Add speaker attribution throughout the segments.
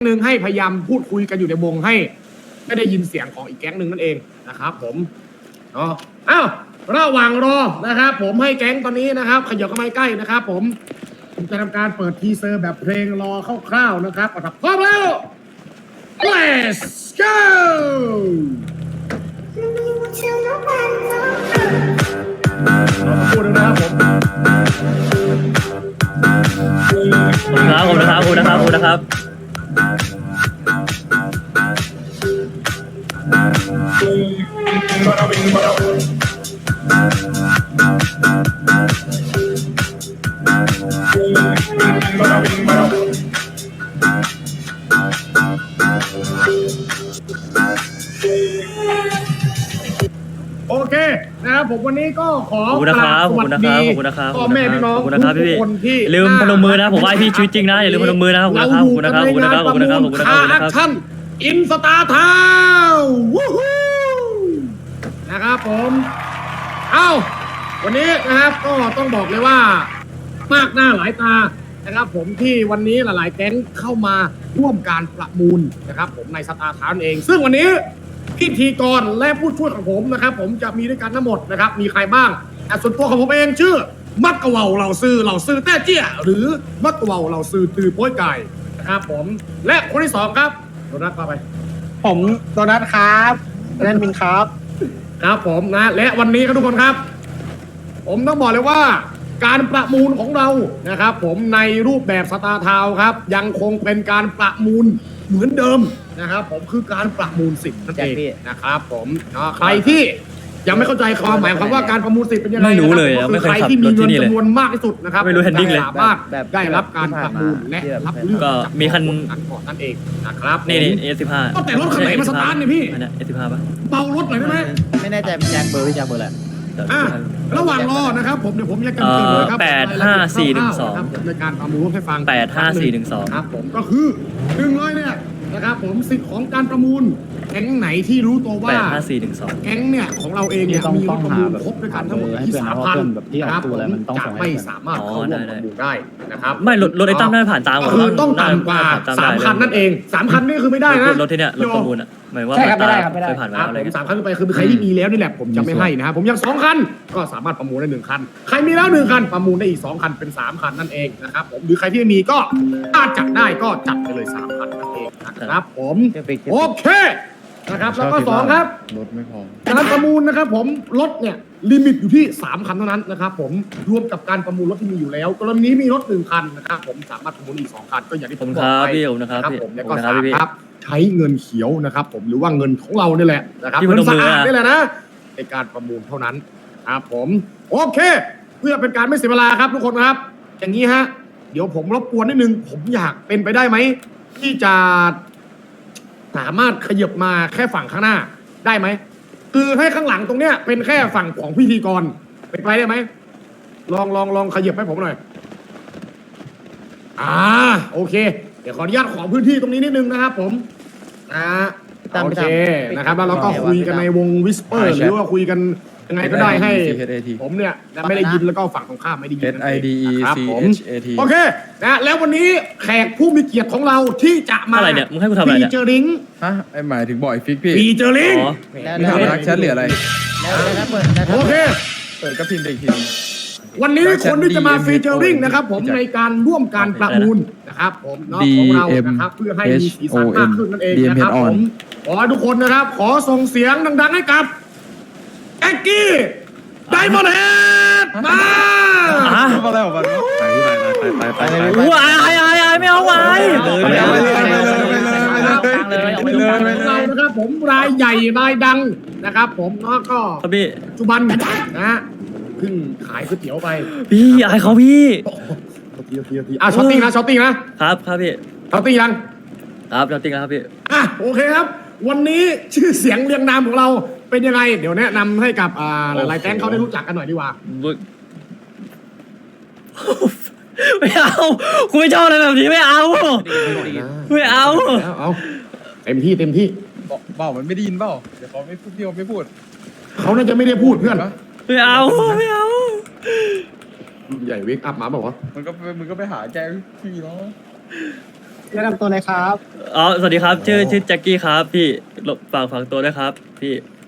Speaker 1: หนึ่งให้พยายามพูดคุยกันอยู่ในวงให้ไม่ได้ยินเสียงของอีกแก๊งหนึ่งนั่นเองนะครับผมเนาะอ้าวระหว่างรอนะครับผมให้แก๊งตอนนี้นะครับขยับเข้ามาใกล้นะครับผมจะทำการเปิดทีเซอร์แบบเพลงรอคร่าวๆนะครับพร้อมแล้ว let's go พูดนะครับผม
Speaker 2: ขอบคุณนะครับ
Speaker 1: โอเคนะครับผมวันนี้ก็ขอ
Speaker 2: ขอบคุณนะครับ
Speaker 1: สวัสดี
Speaker 2: ขอบคุณนะครับ
Speaker 1: พ่อแม่พี่น้อง
Speaker 2: ขอบคุณนะครับ
Speaker 1: ทุกคนที่
Speaker 2: อย่าลืมพนมมือนะผมไหว้พี่ชีวิตจริงนะอย่าลืมพนมมือนะครับขอบคุณนะครับขอบคุณนะครับขอบคุณนะครับขอบคุณนะครับขอบคุณนะครับ
Speaker 1: แอคชั่นอินสตาร์ทาววู้ฮู้นะครับผมเอ้าวันนี้นะครับก็ต้องบอกเลยว่ามากหน้าหลายตานะครับผมที่วันนี้หลายๆแก๊งเข้ามาร่วมการประมูลนะครับผมในสตาร์ทาวเอง ซึ่งวันนี้พิธีกรและผู้ช่วยของผมนะครับผมจะมีด้วยกันทั้งหมดนะครับมีใครบ้างส่วนตัวของผมเองชื่อมักกะเวาเหล่าซื้อแต้เจี้ยหรือมักกะเวาเหล่าซื้อตือโป้ยไก่นะครับผมและคนที่สองครับโดนัทมาไป
Speaker 3: ผมโดนัทครับโดนัทมินครับ
Speaker 1: ครับผมนะและวันนี้ครับทุกคนครับ ผมต้องบอกเลยว่าการประมูลของเรานะครับผมในรูปแบบสตาร์ทาวน์ครับยังคงเป็นการประมูลเหมือนเดิมนะครับผมคือการประมูลสิทธิ์นั่นเองนะครับผมใครที่ยังไม่เข้าใจความหมายความว่าการประมูลสิทธิ์เป็นยังไง
Speaker 2: ไม่รู้เลย
Speaker 1: นะครับ
Speaker 2: ไม่เคย
Speaker 1: ใคร
Speaker 2: ขับ
Speaker 1: ที่มี
Speaker 2: รถที่
Speaker 1: เงิน
Speaker 2: นี่เลย
Speaker 1: จำนวนมากที่สุดนะครับ
Speaker 2: ไม่รู้ handling เลย
Speaker 1: สามารถ
Speaker 3: แบบ
Speaker 1: ได้รับการประมูลและรับเลือก
Speaker 2: ก็มีคัน
Speaker 1: นั้นก่อนนั่นเองนะครับ
Speaker 2: นี่
Speaker 1: ผม
Speaker 2: A15
Speaker 1: ก็แต่รถคันไหนมาสตาร์ทเนี่ยพี่
Speaker 2: อันนี้ A15 ป่ะ
Speaker 1: เบารถหน่อยได้ไหม
Speaker 3: ไม่แน่ใจแจ็คเบอร์พี่แจ็คเบอร์แหละ
Speaker 1: ระหว่างรอนะครับผมเดี๋ยวผมจะกันเตือนเลยครับ
Speaker 2: 85412
Speaker 1: ครับในการประมูลให้ฟัง
Speaker 2: 85412
Speaker 1: ครับผมก็คือ100เนี่ยนะครับผมสิทธิ์ของการประมูลแก๊งไหนที่รู้ตัวว่า
Speaker 2: 85412
Speaker 1: แก๊งเนี่ยของเราเองเนี่ยมีรถประมูลครบด้วยกันทั้งหมดที่ 3,000
Speaker 3: แบบที่อ
Speaker 1: นะค
Speaker 3: อ
Speaker 1: รั
Speaker 3: ก
Speaker 1: บ
Speaker 3: ตัว
Speaker 1: ผม
Speaker 3: อะไรมันต้อง
Speaker 1: จะ
Speaker 3: ส่งให้
Speaker 1: ไม่
Speaker 3: เพื่อน
Speaker 1: สามารถเข้าร่วมประมูลได้นะครับ
Speaker 2: ไม่รถไอ้ตั้มได้ผ่านตาม
Speaker 1: ก็คือต้องต่ำกว่า 3,000 นั่นเอง 3,000 นี่คือไม่ได้นะ
Speaker 2: รถที่เนี่ยรถประมูลอ่ะหมายว่า
Speaker 3: ใช่ครับไม่ได้ครับไม่ได้
Speaker 2: เคยผ่านมา
Speaker 1: ครับ
Speaker 2: แล้วอะไร
Speaker 1: ผม
Speaker 2: กัน
Speaker 1: 3 คันขึ้นไปคือใครที่มีแล้วนี่แหละผมจะไม่ให้นะครับผมยัง2 คันก็สามารถประมูลได้1 คันใครมีแล้ว1 คันประมูลได้อีก2 คันเป็น3 คันนั่นเองนะครับผมหรือใครที่ไม่มีก็ถ้าจัดได้ก็จัดไปเลย3 คันนั่นเองนะครับผมโอเคนะครับแล้วก็2ครับ
Speaker 4: รถไม่พอ
Speaker 1: การประมูลนะครับผมรถเนี่ยลิมิตอยู่ที่3 คันเท่านั้นนะครับผมรวมกับการประมูลรถที่มีอยู่แล้วกรณีนี้มีรถ1 คันนะครับผมสามารถประมูลอีก2 คันก็อย่างที่ผมบอกไป
Speaker 2: ขอบคุณครับพี่
Speaker 1: ผมแล้ว
Speaker 2: ข
Speaker 1: ก็
Speaker 2: อบคุณค
Speaker 1: สา
Speaker 2: รับ
Speaker 1: ม
Speaker 2: พี่
Speaker 1: ครับใช้เงินเขียวนะครับผมหรือว่าเงินของเรานี่แหละนะครับ
Speaker 2: ที่
Speaker 1: เงิน
Speaker 2: พนมมื
Speaker 1: สะ
Speaker 2: อ
Speaker 1: อาด
Speaker 2: นะ
Speaker 1: นี่แหละนะในการประมูลเท่านั้นครับผมโอเค เพื่อเป็นการไม่เสียเวลาครับทุกคนครับ อย่างนี้ฮะเดี๋ยวผมรบกวนนิดนึงผมอยากเป็นไปได้ไหมที่จะสามารถขยับมาแค่ฝั่งข้างหน้าได้ไหมคือให้ข้างหลังตรงเนี้ยเป็นแค่ฝั่งของพิธีกรเป็นไปได้ไหมลองขยับให้ผมหน่อยโอเค เดี๋ยวขออนุญาตขอพื้นที่ตรงนี้นิดนึงนะครับผมโอเคนะครับแล้วเราก็คุยกันในวงวิสเปอร์หรือว่าคุยกันยังไงก็ได้ให้ ผมเนี่ยไม่ได้ยินแล้วก็ฝั่งตรงข้ามไม่ได้ยิน
Speaker 4: SIDE
Speaker 1: นะครับผม
Speaker 4: CHAT
Speaker 1: โอเคนะแล้ววันนี้แขกผู้มีเกียรติของเราที่จะมา
Speaker 2: อะไรเนี่ยมึงให้กูทำอะไรเนี่ย
Speaker 1: ฟีเจอริง
Speaker 4: ฮะไอหมายถึงบ่อยฟิกพี่
Speaker 1: ฟีเจอริง
Speaker 2: อ๋อ
Speaker 4: ไม่ถามรักแชทหรืออะไร
Speaker 3: แล้วถ้าเปิดแล้ว
Speaker 1: โอเค
Speaker 4: เปิดก็พิมพ์ไปอีกทีนึง
Speaker 1: วันนี้คนที่จะมาฟีเจอริงนะครับผม
Speaker 4: จัด
Speaker 1: ในการร่วมการประมูลนะครับผมเนาะของเรานะครับเพื่อให้มีสีสันมากขึ้นนั่นเองนะครับผมขอให้ทุกคนนะครับ ขอส่งเสียงดังๆให้กับแอ็กกี้ไดมอนด์เฮดมา
Speaker 2: อ่ะ
Speaker 4: มาแล้วมาแล้วไปเลย
Speaker 2: อู้อายไม่เอาไว้
Speaker 1: เรานะครับผมรายใหญ่รายดังนะครับผมแล้วก็
Speaker 2: ครับพี่
Speaker 1: ปัจจุบันนะฮะเพิ่งขายก๋วยเตี๋ยวไป
Speaker 2: พี่อายเขาพี่
Speaker 1: ทีช้อตติ้งนะครับ
Speaker 2: ครับพี่
Speaker 1: ช้อตติ้งยัง
Speaker 2: ครับจริงๆครับพี่
Speaker 1: โอเคครับ วันนี้ชื่อเสียงเรียงนามของเราเป็นยังไงเดี๋ยวแนะนำให้กับหลายๆแก๊งเขาได้รู้จักกันหน่อยดีกว่า
Speaker 2: ไม่เอากูไม่ชอบอะไรแบบนี้ไม่เอาไม่เอา
Speaker 1: เอาเต็มที่
Speaker 4: เปล่ามันไม่ได้ยินเปล่าเดี๋ยวเขาไม่พูดพี่เขาไม่พูด
Speaker 1: เขาน่าจะไม่ได้พูดเพื่อน
Speaker 2: ไม่เอาไม่เอา
Speaker 1: ใหญ่เวกอัพมาบอกว่า
Speaker 4: มันก็ไปหาแกพี่เนาะ
Speaker 3: แนะนำตัวเลยครับ
Speaker 2: อ๋อสวัสดีครับชื่อแจ็คกี้ครับพี่ฝากตัวด้วยครับพี่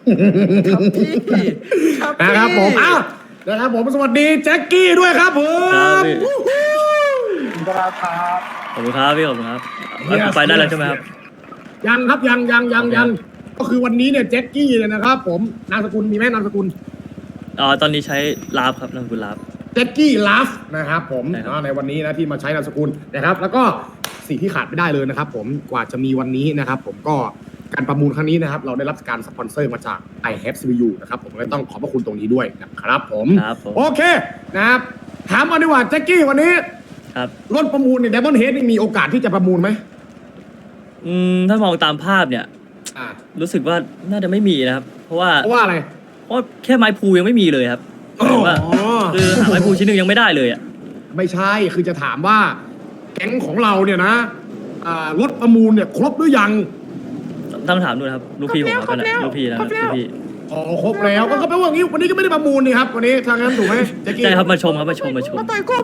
Speaker 1: นะครับผมอ้าวนะครับผมสวัสดีแจ็คกี้ด้วยครับผ
Speaker 2: ครับ
Speaker 1: ม
Speaker 2: พี่
Speaker 3: ครับครับ
Speaker 2: ขอบคุณครับพี่ขอบคุณครับไปได้แล้วใช่ไหมครับ
Speaker 1: ยังครับยังก็คือวันนี้เนี่ยแจ็คกี้เนี่ยนะครับผมนามสกุลมีไหมนามสกุล
Speaker 2: อ๋อตอนนี้ใช้ลาฟครับนามสกุลลาฟ
Speaker 1: แจ็คกี้ลาฟนะครับผม
Speaker 2: ใช่ครับ
Speaker 1: ในวันนี้นะที่มาใช้นามสกุลนะครับ แล้วก็สิ่งที่ขาดไม่ได้เลยนะครับ ผมกว่าจะมีวันนี้นะครับ ผมก็การประมูลครั้งนี้นะครับ เราได้รับการสปอนเซอร์มาจาก I Have CPU นะครับผมเลยต้องขอบพระคุณตรงนี้ด้วยนะครับผม
Speaker 2: ครับผม
Speaker 1: โอเคนะครับถามมาดีกว่าแจ็คกี้วันนี้
Speaker 2: ครับ
Speaker 1: รถประมูลเนี่ย Diamond Head นี่มีโอกาสที่จะประมูลไหม
Speaker 2: ถ้ามองตามภาพเนี่ย
Speaker 1: อ่า
Speaker 2: รู้สึกว่าน่าจะไม่มีนะครับ เพราะว่า
Speaker 1: เพราะว่าอะไร
Speaker 2: เพราะแค่ไม้พูยังไม่มีเลยครับหมายถึงว่าคือหาไม้พูชิ้นหนึ่งยังไม่ได้เลยอ่ะ
Speaker 1: ไม่ใช่คือจะถามว่าแก๊งของเราเนี่ยนะรถประมูลเนี่ยครบหรือยัง
Speaker 2: ต้องถามดูนะครับลูกพี่ผมครับนั่นแหละลูกพี่นะครับลูกพี่
Speaker 1: อ๋อครบแล้วก็แปลว่างี้วันนี้ก็ไม่ได้ประมูลนี่ครับวันนี้ทางนั้นถูกไหมแจ็คกี้
Speaker 2: ใช่ครับมาชมครับมาชม
Speaker 1: อ๋อมาปล่อยกู้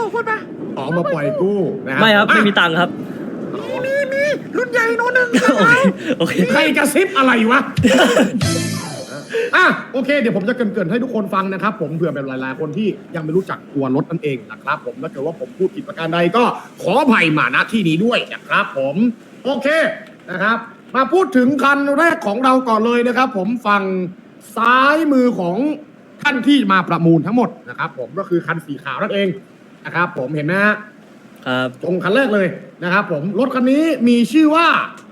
Speaker 1: นะครับ
Speaker 2: ไม่ครับ
Speaker 1: อ่ะ
Speaker 2: ไม่มีตังค์ครับ
Speaker 1: รุ่นใหญ่โน่นหนึ่ง
Speaker 2: โอเค
Speaker 1: ใครกระซิบอะไรวะ โอเคเดี๋ยวผมจะเกรินๆให้ทุกคนฟังนะครับ ผมเผื่อแบบหลายๆคนที่ยังไม่รู้จักตัวรถนั่นเองนะครับ ผมถ้าเกิดว่าผมพูดผิดประการใดก็ขออภัยมาณที่นี้ด้วยนะครับ ผมโอเคนะครับ มาพูดถึงคันแรกของเราก่อนเลยนะครับ ผมฝั่งซ้ายมือของท่านที่มาประมูลทั้งหมดนะครับ ผมก็คือคันสีขาวนั่นเองนะครับ ผมเห็นไหมฮะ
Speaker 2: ครับ
Speaker 1: ตรงคันแรกเลยนะครับ ผมรถคันนี้มีชื่อว่า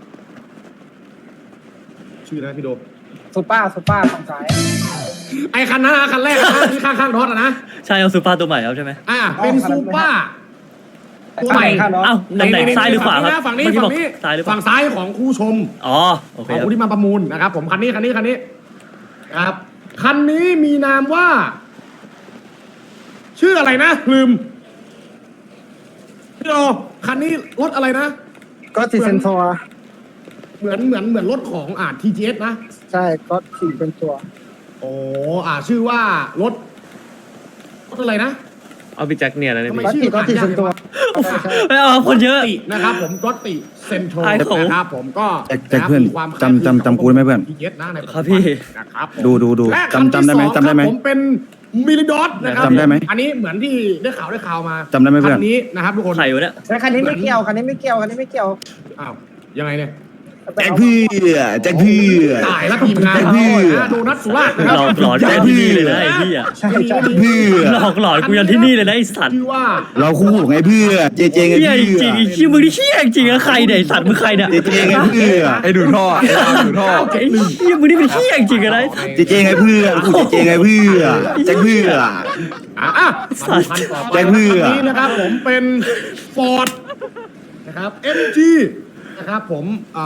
Speaker 1: ชื่อนะพี่โด
Speaker 3: ซูเปอร์ฝั่งซ้าย
Speaker 1: ไอคันนั้นนะคันแรกนะที่ข้างๆรถอะนะ
Speaker 2: ใช่เอาซูเปอร์ตัวใหม่ครับใช่ไหม
Speaker 1: เป็นซูเปอร์ตัวใหม่
Speaker 3: ข้างเนาะ
Speaker 2: เอ้าตำแหน่งซ้ายหรือขวาครับ
Speaker 1: ฝั่งนี้
Speaker 2: เมื่อกี้
Speaker 1: ฝั่
Speaker 2: บ
Speaker 1: ง
Speaker 2: อก
Speaker 1: นี้
Speaker 2: ซ้ายหรือเปล่า
Speaker 1: ฝั่งซ้ายของครูชม
Speaker 2: อ๋อโอเค
Speaker 1: ของ
Speaker 2: ครับ
Speaker 1: ผู้ที่มาประมูลนะครับ ผมคันนี้ครับคันนี้มีนามว่า ชื่ออะไรนะลืมพี่โดคันนี้รถอะไรนะ
Speaker 3: ก็สีเซนทัว
Speaker 1: เหมือนรถของTGS นะ
Speaker 3: ใช่ก็สีเป็นตัว
Speaker 1: โอ้ชื่อว่ารถอะไรนะ
Speaker 4: เอาพี่แจ็คเนี่ยนะเนี่ย
Speaker 1: ทำไม
Speaker 4: พี่
Speaker 1: ชื่อ
Speaker 3: ก็สีเป็นตัว
Speaker 2: ไม่เอาคนเยอะ
Speaker 1: ตินะครับผมก็ติเซนโทร
Speaker 2: ไอ้ของ
Speaker 1: นะครับผมก็
Speaker 5: แจ็คเพื่อน
Speaker 1: มีความ
Speaker 5: จำกูได้ไหมเพื่อน
Speaker 1: เย็ดนะในปัจจุ
Speaker 2: ครับพี่
Speaker 1: นะครับผม
Speaker 5: ดู
Speaker 1: และ
Speaker 5: จำได้ไหม
Speaker 1: คันที่สอง
Speaker 5: จำได้ไหม
Speaker 1: ครับผมเป็นมิลิดอสนะครับ
Speaker 5: จำได้ไหม
Speaker 1: อันนี้เหมือนที่ได้ข่าวมา
Speaker 5: จำได้ไหมเพื่อน
Speaker 1: คันนี้นะครับทุกคน
Speaker 2: ไข่วะเนี่ย
Speaker 3: แต่คันนี้ไม่เกี่ยวคันนี้ไม่เกี่ยว
Speaker 1: อ้าวยังไงเนี่ย
Speaker 5: แจ็คเพื่อแจ็คเพื่อ
Speaker 1: ตายแล้วทีมงาน
Speaker 5: แจ็ค
Speaker 1: เรา
Speaker 5: เพื่อ
Speaker 1: นะโดนัทสุราษฎร์นะค
Speaker 2: หล
Speaker 1: รั
Speaker 2: อกหลอน
Speaker 5: แจ็
Speaker 2: กู
Speaker 5: ค
Speaker 2: ยัน
Speaker 5: พี่
Speaker 2: ที่นี่เลยนะไอ้พี่อ่ะ
Speaker 3: ใช่
Speaker 5: เพื่อ
Speaker 2: หลอกหลอนกูยันที่นี่เลยนะไอ้สัตว์
Speaker 1: ชื่อว่า
Speaker 5: เราคู่ไงเพื่อเจเจไง
Speaker 2: เฮีย
Speaker 5: เพื่
Speaker 2: จ
Speaker 5: อ
Speaker 2: ริงๆไอ้ขี้ยมึงนี่เฮียจริงๆอะใครเนี่ยไอ้สัตว์มึงใครเนี่ย
Speaker 5: เจเจไงเพื่อ
Speaker 4: ไอ้ดูดท่อไอ้ดูดท่อ
Speaker 2: ไอ้เฮียมึงนี่เป็นเฮียจริงๆอะนะ
Speaker 5: เจเจไงเพื่อคู่เจเจไงเพื่อแจ็คเพื่อ
Speaker 1: มาดูคันต่อไป
Speaker 5: แจ็คเพื่อ
Speaker 1: คันนี้นะครับผมเป็นฟอร์ดนะครับ MG นะครับผม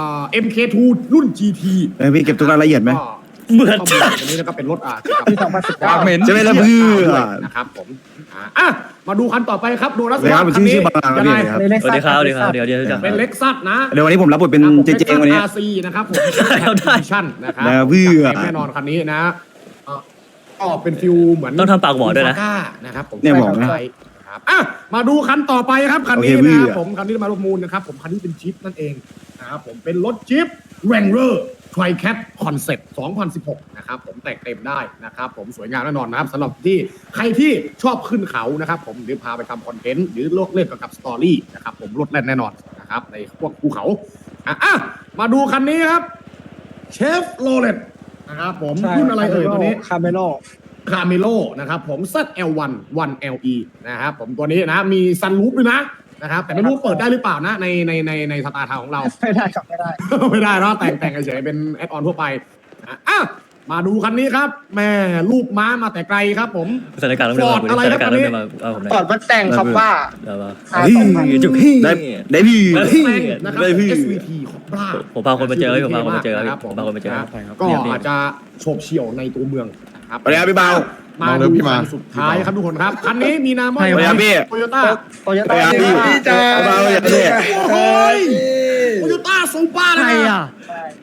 Speaker 1: MK2 รุ่น GT
Speaker 5: พี่เก็บตัวรายละเอียดไหม
Speaker 2: เหมือน
Speaker 1: ข้อมูลอันนี้นะครับเป็นรถ
Speaker 3: ปี
Speaker 1: เกี่ยวกับ
Speaker 4: ปากเหม็น
Speaker 5: จะไม่ละเพื่อ
Speaker 1: นะครับผมมาดูคันต่อไปครับโดนัส
Speaker 5: เลยครับชื่อบาง
Speaker 1: ยังไง
Speaker 5: ครับ
Speaker 2: สวัสดีครับสวัสดีครับเดี๋ยวจะ
Speaker 1: เป็นเล็กซัสนะ
Speaker 5: เดี๋ยววันนี้ผมรับบทเป็นเจเจวันนี้
Speaker 1: RC นะครับผม
Speaker 2: เอาได้
Speaker 1: ชั่นนะครับ
Speaker 5: นะเพื่อ
Speaker 1: แน่นอนคันนี้นะก็เป็นฟิลเหมือน
Speaker 2: ต้องทำปากหวอด้วยนะ
Speaker 1: Saga นะครับผม
Speaker 5: เนี่ยบอกนะ
Speaker 1: ครับมาดูคันต่อไปครับคันนี้
Speaker 5: โอเคพี่
Speaker 1: นะครับผมคันนี้มาประมูลนะครับผมคันนี้เป็นจิ๊ปนั่นเองนะครับผมเป็นรถจิ๊ป Wrangler Tri-Cat Concept 2016 นะครับผมแต่งเต็มได้นะครับผมสวยงามแน่นอนนะครับสำหรับที่ใครที่ชอบขึ้นเขานะครับผมหรือพาไปทำคอนเทนต์หรือโลกเล่นเกี่ยวกับสตอรี่นะครับผมรถแล่นแน่นอนนะครับในพวกภูเขามาดูคันนี้ครับเชฟโรเลตนะครับผมรุ่นอะไรเอ่ยตัวนี้
Speaker 3: คาเมโล
Speaker 1: คาเมโลนะครับผม ZL1 1LE นะครับผมตัวนี้นะมีซันรูฟด้วยนะครับแต่ไม่รู้เปิดได้หรือเปล่านะในสตาร์ทาวของเรา
Speaker 3: ไม่ได้ครับไม่ได้
Speaker 1: ไม่ได้เนาะแต่งเฉยๆเป็นแอดออนทั่วไปมาดูคันนี้ครับแม่ลูกม้ามาแต่ไกลครับผม
Speaker 2: สถานการณ์ต้องเดินมา
Speaker 1: Ford อะไร
Speaker 2: ส
Speaker 1: ครั
Speaker 2: ถา
Speaker 1: บ
Speaker 2: นการณ์
Speaker 1: อันนี้
Speaker 2: ต้องเดินมาเอาผมหน่
Speaker 3: ก่อ
Speaker 2: อน ย
Speaker 3: มาแต่งครับว่า
Speaker 2: เดี๋ยวมา
Speaker 3: หาสองพัน
Speaker 2: จุกพี่
Speaker 5: ได้พี่
Speaker 1: แต่งนะครับ
Speaker 5: ได้พี่
Speaker 1: SVT ของบ้า
Speaker 2: ผมพาคนมาเจอผมพาคนมาเจอ
Speaker 1: ครับ
Speaker 2: ผมพาคนมาเจอ
Speaker 1: ก็อาจจะโฉบเฉี่ยวในตัวเมืองนะครับ
Speaker 5: สวัสดีครับพี่เบา
Speaker 1: มา
Speaker 4: น้องเลิ
Speaker 1: ดู
Speaker 4: ฟพี่มา
Speaker 1: คันสุดท้ายครับทุกคนครับคันนี้มีนามว่า
Speaker 5: สวัสดีครับพี่
Speaker 1: โตโยต้า
Speaker 3: โตโย
Speaker 5: สวัส
Speaker 3: ต้า
Speaker 5: ดีครับพี่เบาอย่างนี้
Speaker 1: โอ้ยโตโยต้าซูเปอร์นะ
Speaker 2: ใครอ่ะ
Speaker 3: ใช่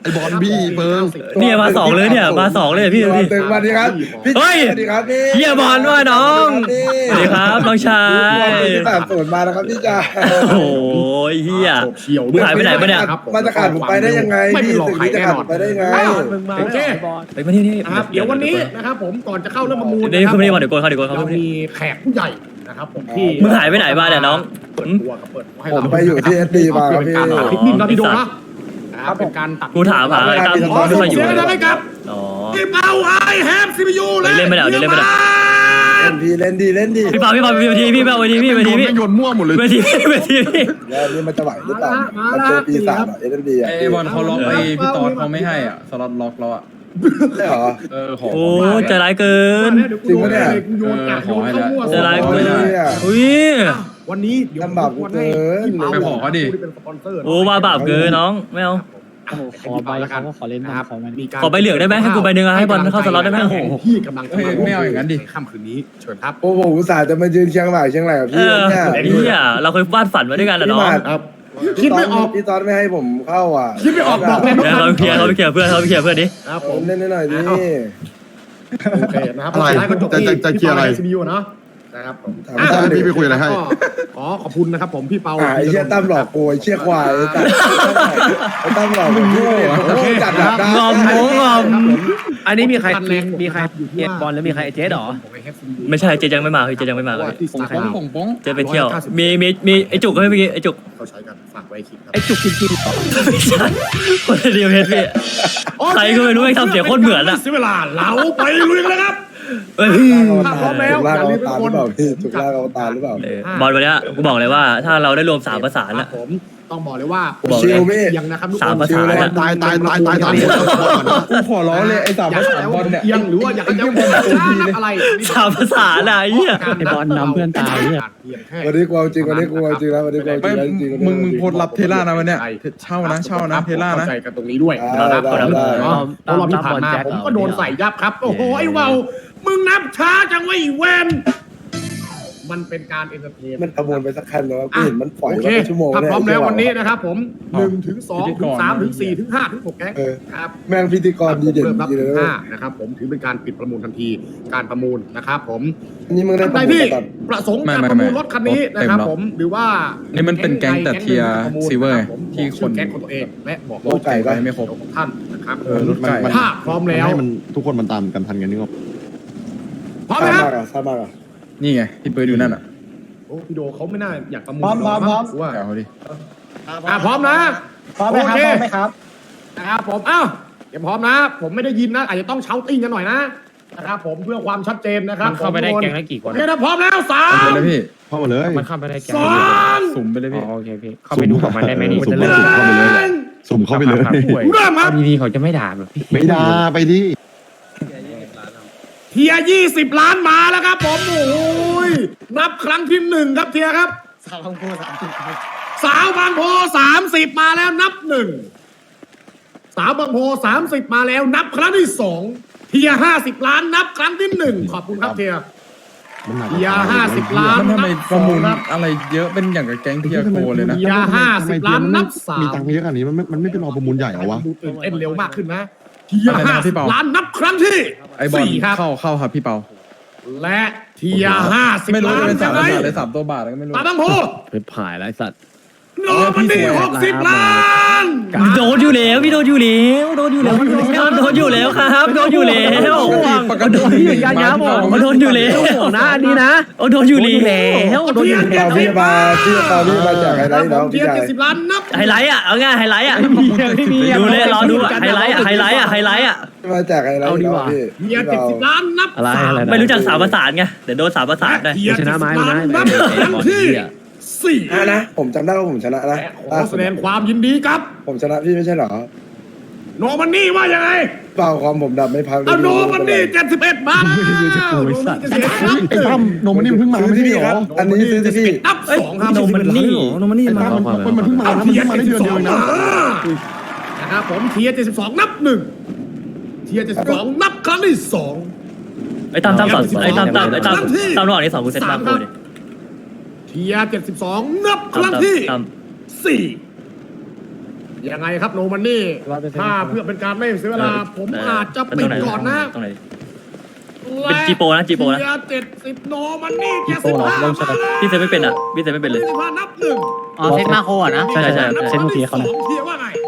Speaker 6: ไอ้บอลบี้เบิร์ง
Speaker 2: เนี่ยมาสองเลยเนี่ยมาสองเลยพี่ดูดิ
Speaker 3: ตึงมาดีครับพี่
Speaker 2: เฮ้ย
Speaker 3: สวัสดีครับพี่
Speaker 2: เฮียบอลด้วยน้องสวัสดีครับน้องชาย
Speaker 3: พี่สามส่วนมานะครับพี่จ่า
Speaker 2: โอ้ยเฮีย
Speaker 1: เฉียว
Speaker 2: มึงหายไปไหนปะเนี่ย
Speaker 3: มาจะขาดผมไปได้ยังไง
Speaker 1: ไม่
Speaker 3: พี่
Speaker 1: เป็นหลอก
Speaker 3: สิ่ง
Speaker 1: ใคร
Speaker 3: นี้จะ
Speaker 1: แน่
Speaker 3: ขาด
Speaker 1: นอ
Speaker 3: ผ
Speaker 1: น
Speaker 3: มไปได้ยังไง
Speaker 1: โอเค
Speaker 2: ไปมาที่นี่
Speaker 1: นะครับเดี๋ยววันนี้นะครับผมก่อนจะเข้าเรื่องประมูล
Speaker 2: เดี๋ยวคุณไม่ได้มาเดี๋ยวโกนเขาเดี๋ยวโกนเขา
Speaker 1: เรามีแขกผู้ใหญ่นะครับผมที่
Speaker 2: มึงหายไปไหนมาเนี่ยน้อง
Speaker 1: เปิดตัวกับเปิดให้
Speaker 3: ผ
Speaker 1: เรา
Speaker 3: มไปอยู่ที่ SD มาครับพี่
Speaker 1: เป็นการตัดพิกนิกเราพี่โดนะนะครับเป็นการตัด
Speaker 2: กูถามหาอะไรตาม
Speaker 1: ขอ
Speaker 2: ไม่
Speaker 1: ส่
Speaker 2: ค่อง ยอยู่
Speaker 1: เสียงกันได้ครับ
Speaker 2: อ๋อ
Speaker 1: ที่เบาไอแฮปซีพียูและ
Speaker 2: เล่นไม่ได้เดี๋ยวเล่นไม่ได้
Speaker 3: เล่นดีเล่นดี
Speaker 2: พี่เปาพี่เวทีพี่
Speaker 6: โยนมั่วหมดเลย
Speaker 2: เวที
Speaker 3: แล้วนี่มันจะไหวหรือเปล่ามันเจอปีศาจเอ็นดีอ่ะ
Speaker 4: ไอ้บอลเขาล็อกไอ้พี่ตอนเขาไม่ให้อ่ะสล็อตล็อกเราอ่ะ
Speaker 3: ใช่เหรอ
Speaker 4: ขอ
Speaker 2: โอ้ใจร้ายเกิน
Speaker 3: จริงปะเนี่ย
Speaker 1: โยนอ่ะโยนเข้ามั่ว
Speaker 2: ใจร้าย
Speaker 3: โอ้
Speaker 2: เกิ
Speaker 3: ย
Speaker 2: น
Speaker 3: เนี่ย
Speaker 2: อุ้ย
Speaker 1: วันนี้เดี๋ยว
Speaker 3: ลำบากเกิน
Speaker 4: ไปขอเขาดิ
Speaker 1: เป็นสปอนเซอร์
Speaker 2: โอ้ว่าบาปเกินน้องไม่เอา
Speaker 1: ขอใบเขาก็ขอเล่นนะครับ
Speaker 2: ขอใบเหลืองได้ไหมให้กูใบหนึ่งอะให้บอลเข้าสล็อตได้ไหม
Speaker 1: พี่กำลังจะ
Speaker 4: ไม่เอาอย่างนั้นดิ
Speaker 1: ค่ำคืนนี้เชิญครับ
Speaker 3: โอ้โหอุตส่าห์จะมายืนเชียงใหม่กับ
Speaker 2: เอ
Speaker 3: พี่
Speaker 2: อ
Speaker 3: เนี่ย
Speaker 2: นี่อ่ะเราเคยวาดฝันมาด้วยกันนะน้อง
Speaker 1: ครับคิดไม่ออก
Speaker 3: พี่ตอนไม่ให้ผมเข้าอ่ะ
Speaker 1: คิดไม่ออกบอกเลย
Speaker 2: เดี๋ยวเขาไปเคลียร์เพื่อนดิ
Speaker 1: ครับ
Speaker 3: ผ
Speaker 1: ผม ม
Speaker 3: เล่นหน่อยดิ
Speaker 1: โอเคนะครับ
Speaker 6: อะไร
Speaker 1: สุดท้ายก็จบที่
Speaker 6: จะเคลียร์อะไร
Speaker 1: ซีบียูเนาะนะครับผม
Speaker 6: ไม่ใช่พี่ไปคุยอะไรให้
Speaker 1: ขอขอบคุณนะครับผมพี่เปา
Speaker 3: ไอ้เชี่ยตั้มหลอกโกยเชี่ยควายไอ้ตั้มหลอกมึงโง่โง่จัดดับได้
Speaker 2: งอมโง่งอม
Speaker 1: อันนี้มีใคร
Speaker 2: มีใคร
Speaker 1: เอ็ดบอลแล้วมีใครเจ๊ดหรอ
Speaker 2: ไม่ใช่เจยังไม่มาเจยังไม่มาเลย
Speaker 1: ที่สาขา
Speaker 2: เจไปเที่ยวมีไอจุกให้เมื่อกี้ไอจุก
Speaker 1: เขาใช้กันฝากไว้คลิปครับ
Speaker 2: ไอจุกจริงๆไม่ใช่คนเดียวเพชรพี่ ใครก็ไม่รู้ไอ้ทำเสียงโคตรเหมือนอะ
Speaker 1: เสียเวลาเราไปลุยกันเลยครับ
Speaker 2: เอ้ย
Speaker 3: ถ้าพร้อมแล้วอย่าลืมทุกคนจุกล่างอวตารหรือเปล่า
Speaker 2: บอลวันนี้กูบอกเลยว่าถ้าเราได้รวม3ประสานละ
Speaker 1: ผมต้องบอกเลยว่า
Speaker 3: ชิลพี่
Speaker 1: ยังนะครับ
Speaker 2: สามภาษา
Speaker 6: ตาย
Speaker 4: กูขอร้องเลยไอ้สามภาษาบอลเนี่ย
Speaker 1: ยังหรือว่าอยากจะอะไร
Speaker 2: 3ประสานอะไอ้เหี้ย
Speaker 1: ไอ้บอลนำเพื่อนตายเนี่ย
Speaker 3: วันนี้กูเอาจริงวันนี้กูเอาจริงแล้ววันนี้กูเอาจริ
Speaker 4: ไม่
Speaker 3: งแล้วจริง
Speaker 4: มึงโพสต์รับเทล่านะวันเนี้ยเช่านะเทล่านะ
Speaker 1: เข้าใจกันตรงนี้ด้วยนะครับเพราะรอบที่ผ่านมาผมก็โดนใส่ยับครับโอ้โหไอ้เวามึงนับช้าจังวะไอ้แวนมันเป็นการเอนเตอร์เทน
Speaker 3: มันประมวลไปสักคันแล้วพี่เห็นมันปล่อย
Speaker 1: โอ
Speaker 3: มา
Speaker 1: เค
Speaker 3: เป็นชั่วโมง
Speaker 1: ถ้า
Speaker 3: เนี่ย
Speaker 1: พร้อมแล้ววันนี้นะครับผม
Speaker 4: อ๋อ
Speaker 1: 1 ถึง 2 ถึง 3 ถึง 4 ถึง 5 ถึง 6 แก๊งครับ
Speaker 3: แม่งพิธีกรดีเด่น
Speaker 1: เริ่มนับ
Speaker 3: ดี
Speaker 1: ถึ
Speaker 3: เลย
Speaker 1: ง
Speaker 3: นะ
Speaker 1: 5นะครับผมถือเป็นการปิดประมูลทันทีการประมูลนะครับผม
Speaker 3: นี่มึงได้
Speaker 1: ท่าน
Speaker 3: ประ
Speaker 1: ใด
Speaker 3: มูล
Speaker 1: ที่
Speaker 3: ก่อน
Speaker 1: ประสงค์การประมูลรถคันนี้นะครับผมหรือว่า
Speaker 4: นี่มันเป็นแก๊งแต่เทียร์ซิลเวอร์ที่คน
Speaker 1: แก๊งของตัวเองและบอก
Speaker 3: รถไก่ปะ
Speaker 4: ไม่ครบ
Speaker 1: ของท่านนะครับ
Speaker 4: รถไก่
Speaker 1: ถ้าพร้อมแล้ว
Speaker 6: ให้มันทุกคนมันตามกันทันกันนึกออก
Speaker 1: พร้อมไหมครับ
Speaker 3: ทราบมากอ่ะ
Speaker 4: นี่ไงที่เปิดอยู่นั่นอ่ะ
Speaker 1: โอ้พี่โดเขาไม่น่าอยากประมูล
Speaker 3: พร้อม
Speaker 1: ว่า
Speaker 4: แกเขาดิ
Speaker 1: พร้อมนะ
Speaker 3: พร้อมไหมครับพร้อมไหมครับ
Speaker 1: นะครับผมเอ้าเดี๋ยวพร้อมนะ ผมไม่ได้ยินนะอาจจะต้องเช้าติ้งกันหน่อยนะครับผมเพื่อความชัดเจนนะครับ
Speaker 7: มันเข้าไปได้แก๊งละกี่คน
Speaker 1: โอเคนะพร้อมแล้วสา
Speaker 4: เอา
Speaker 1: ม
Speaker 4: ไปเลยพี่
Speaker 6: เข้ามาเลย
Speaker 7: มันเข้าไปได้แก๊ง
Speaker 1: สอง
Speaker 4: สุ่มไปเลยพี่
Speaker 7: โอเคพี่ เข้าไปดูกับมันได้ไหมนี่
Speaker 6: สุ่ม
Speaker 7: จะ
Speaker 6: เข้า
Speaker 7: เริ่ม
Speaker 6: ไปเลยสุ่มเข้าไปเลย
Speaker 7: ครับป่วย
Speaker 1: เริ่มครับ
Speaker 7: เอาดีๆเขาจะไม่ด่าแบบพี่
Speaker 6: ไม่ด่าไปดิ
Speaker 1: เทีย20 ล้านมาแล้วครับผมโอ้ยนับครั้งที่1ครับเทียครับสาวบางโพ30มาแล้วนับ1สาวบางโพ30มาแล้วนับครั้งที่2เทีย50 ล้านนับครั้งที่1ขอบคุณครับเทีย
Speaker 6: มันหนัก
Speaker 1: เทีย50 ล้าน
Speaker 4: มันทำไมประมูล
Speaker 1: นับ
Speaker 4: อะไรเยอะเป็นอย่างกับแก๊งเทียโกเลยนะ
Speaker 1: เทีย50 ล้านนับ3
Speaker 6: มีตังค์เยอะขนาดนี้มันไม่เป็นรอประมูลใหญ่เหรอวะ
Speaker 1: ดูตื่นเต้นเร็วมากขึ้นนะเทีย
Speaker 4: อะไรนะพี่เปา
Speaker 1: 50 ล้านนับครั้งที่
Speaker 4: ไอ้บอล
Speaker 1: 4ครับ
Speaker 4: เข้าครับพี่เปา
Speaker 1: และเทีย50
Speaker 4: ไม่รู้
Speaker 1: ล้าน
Speaker 4: จะเป็นสาม
Speaker 1: ใช่
Speaker 4: ภา
Speaker 1: ไหม
Speaker 4: ษาเลย3 ตัวบาทก็ไม่รู้
Speaker 1: ตาบังโพ
Speaker 7: เป็นผายแล้วไอ้สัตว์
Speaker 1: โนมันนี่60 ล้าน
Speaker 2: โดนอยู่แล้วพี่โดนอยู่แล้วโดนอยู่แล้วครับโดนอยู่แล้ว
Speaker 4: ปกติอยู่ยาบอก
Speaker 2: โดนอยู่แล้วนะอันนี้นะโดนอยู่แล้วโดนอยู่
Speaker 3: พี่
Speaker 2: แล้ว
Speaker 3: พี่มาจากอะไรน้อง
Speaker 1: เที
Speaker 3: พี่
Speaker 1: ย
Speaker 3: ชาย
Speaker 1: 70 ล้านนับ
Speaker 2: ไฮไลท์อ่ะเอาง่ายไฮไลท์อ่ะดูเลยรอดูไฮไลท์อ่ะ
Speaker 3: มาจากอะไรน้องพี่
Speaker 1: เทีย70 ล้านนับ
Speaker 7: อะไร
Speaker 1: 3
Speaker 2: ไม่รู้จัก3ประสานไงเดี๋ยวโดน3ประสานได้
Speaker 1: เทีย70 ล้านนับครั้งที่4
Speaker 3: นะผมจำได้ว่าผมชนะนะ
Speaker 1: และขอแสดงความยินดีครับ
Speaker 3: ผมชนะพี่ไม่ใช่เหรอ
Speaker 1: โนมันนี่ว่ายังไง
Speaker 3: เปล่าความผมดับไม่พัง
Speaker 1: เอาโนมันนี่71มาแล้วโนมันนี่71นับ
Speaker 6: ไอ้ตั้มนมมันนี่มันเพิ่งมาไม่ใช่เหรอ
Speaker 3: อันนี้ซื้อที่พี่
Speaker 1: นับ2ครับ
Speaker 2: โนมันนี่
Speaker 6: ไอ้ตั้มมันเพิ่งมานะมันเพิ่งมาได้เดือนเดียวเองนะ
Speaker 1: นะครับผมเทีย72นับ1เทีย72นับครั้งที่2
Speaker 2: ไอ้ตามสอนไอ้ตามระหว่างนี้2กูเซ็ตตามกูดิ
Speaker 1: เทีย72นับครั้งที่4 ยังไงครับโนมันนี่ถ้าเพื่อเป็นการไม่เสียเวลาผมอาจจะปิดก่อนนะ
Speaker 2: ตรงไหนเป็นจีโปนะจีโปนะ
Speaker 1: 70โนมันนี่75มาแล้ว
Speaker 2: พี่เซฟไม่เป็นอ่ะพี่เซฟไม่เป็นเลย
Speaker 1: 75นับหนึ่ง
Speaker 8: อ๋อเซตมาโคอ่ะนะ
Speaker 2: ใช่
Speaker 1: นับที่สองเทียร์ว่าไง